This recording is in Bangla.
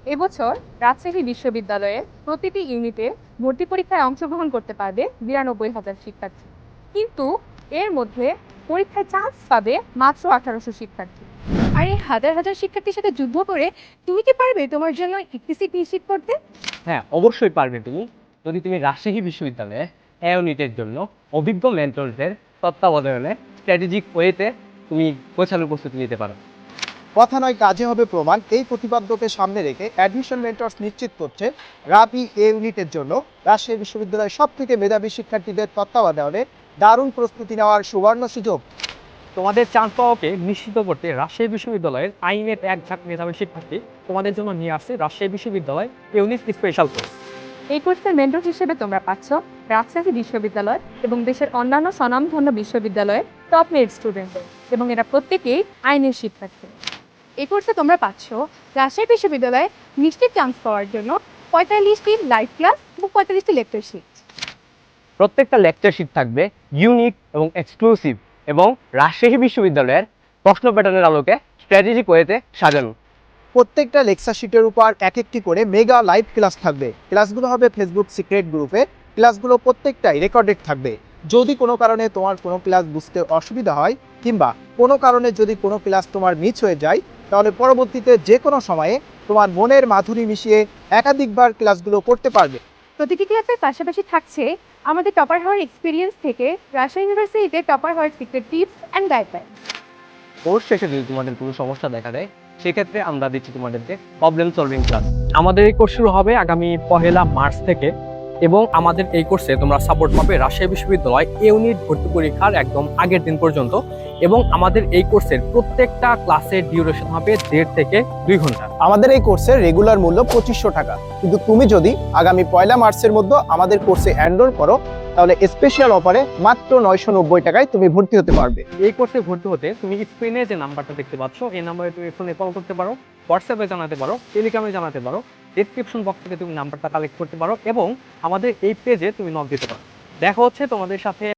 এবছর রাজশাহী বিশ্ববিদ্যালয়ে প্রতিটি ইউনিটে ভর্তি পরীক্ষায় অংশগ্রহণ করতে পারবে ৯২,০০০ শিক্ষার্থী, কিন্তু এর মধ্যে পরীক্ষায় চান্স পাবে মাত্র ১৮০০ শিক্ষার্থী। আর এই হাজার হাজার শিক্ষার্থীর সাথে যুদ্ধ করে তুমি কি পারবে তোমার জন্য একটি সিট নিশ্চিত করতে? হ্যাঁ, অবশ্যই পারবে তুমি, যদি তুমি রাজশাহী বিশ্ববিদ্যালয়ে এ ইউনিটের জন্য অভিজ্ঞ মেন্টরদের তত্ত্বাবধানে স্ট্র্যাটেজিক ওয়েতে তুমি গোছানো প্রস্তুতি নিতে পারো। কথা নয় কাজে হবে প্রমাণ, এই প্রতিপাদ্যকে সামনে রেখে অ্যাডমিশন মেন্টরস নিশ্চিত করছে রাবি এ ইউনিটের জন্য রাজশাহী বিশ্ববিদ্যালয়ের সব থেকে মেধাবী শিক্ষার্থীদের তত্ত্বাবধানে দারুণ প্রস্তুতি নেওয়ার সুবর্ণ সুযোগ। তোমাদের চান্স পাওয়াকে নিশ্চিত করতে রাজশাহী বিশ্ববিদ্যালয়ের আইনের এক ঝাঁক মেধাবী শিক্ষার্থী তোমাদের জন্য নিয়ে আসছে রাজশাহী বিশ্ববিদ্যালয় ইউনিট স্পেশাল কোর্স। এই কোর্সের মেন্টর হিসেবে তোমরা পাচ্ছ রাজশাহী বিশ্ববিদ্যালয় এবং দেশের অন্যান্য স্বনামধন্য বিশ্ববিদ্যালয়ের টপ মেরিট স্টুডেন্ট, এবং এরা প্রত্যেকেই আইনের শিক্ষার্থী। এই কোর্সে তোমরা পাচ্ছ রাজশাহী বিশ্ববিদ্যালয়ে নিশ্চিত চান্স পাওয়ার জন্য ৪৫টি লাইভ ক্লাস এবং ৪৫টি লেকচার শিট। প্রত্যেকটা লেকচার শিট থাকবে ইউনিক এবং এক্সক্লুসিভ, এবং রাজশাহী বিশ্ববিদ্যালয়ের প্রশ্ন প্যাটার্নের আলোকে স্ট্র্যাটেজিক ওয়েতে সাজানো। প্রত্যেকটা লেকচার শিটের উপর এক একটি করে মেগা লাইভ ক্লাস থাকবে। ক্লাসগুলো হবে ফেসবুক সিক্রেট গ্রুপে। ক্লাসগুলো প্রত্যেকটাই রেকর্ডেড থাকবে। যদি কোনো কারণে তোমার কোনো ক্লাস বুঝতে অসুবিধা হয় কিংবা কোনো কারণে যদি কোনো ক্লাস তোমার মিস হয়ে যায়, তাহলে পরবর্তীতে যে কোনো সময়ে তোমার মনের মাধুরী মিশিয়ে একাধিকবার ক্লাসগুলো করতে পারবে। প্রতিটি ক্লাসের পাশাপাশি থাকছে আমাদের টপার হওয়ার এক্সপিরিয়েন্স থেকে রাজশাহী ইউনিভার্সিটিতে টপার হওয়ার secret tips and guideline. Course শেষে যদি তোমাদের কোনো সমস্যা দেখা দেয়, সেক্ষেত্রে আমরা দিচ্ছি তোমাদেরকে প্রবলেম সলভিং ক্লাস। আমাদের এই কোর্স শুরু হবে আগামী ১লা মার্চ থেকে, এবং আমাদের এই কোর্সে তোমরা সাপোর্ট পাবে রাজশাহী বিশ্ববিদ্যালয় ইউনিট ভর্তি পরীক্ষার একদম আগের দিন পর্যন্ত। এবং আমাদের এই কোর্সের প্রত্যেকটা ক্লাসের ডিউরেশন হবে ১.৫ থেকে ২ ঘন্টা। আমাদের এই কোর্সের রেগুলার মূল্য ২৫০০ টাকা, কিন্তু তুমি যদি আগামী ১লা মার্চের মধ্যে আমাদের কোর্সে এনরোল করো, তাহলে স্পেশাল অফারে মাত্র ৯৯০ টাকায় তুমি ভর্তি হতে পারবে। এই কোর্সে ভর্তি হতে তুমি স্ক্রিনে যে নাম্বারটা দেখতে পাচ্ছ, এই নাম্বারে তুমি ফোনে কল করতে পারো, হোয়াটসঅ্যাপে জানাতে পারো, টেলিগ্রামে জানাতে পারো, ডেসক্রিপশন বক্স থেকে তুমি নাম্বারটা কালেক্ট করতে পারো, এবং আমাদের এই পেজে তুমি নক দিতে পারো। দেখা হচ্ছে তোমাদের সাথে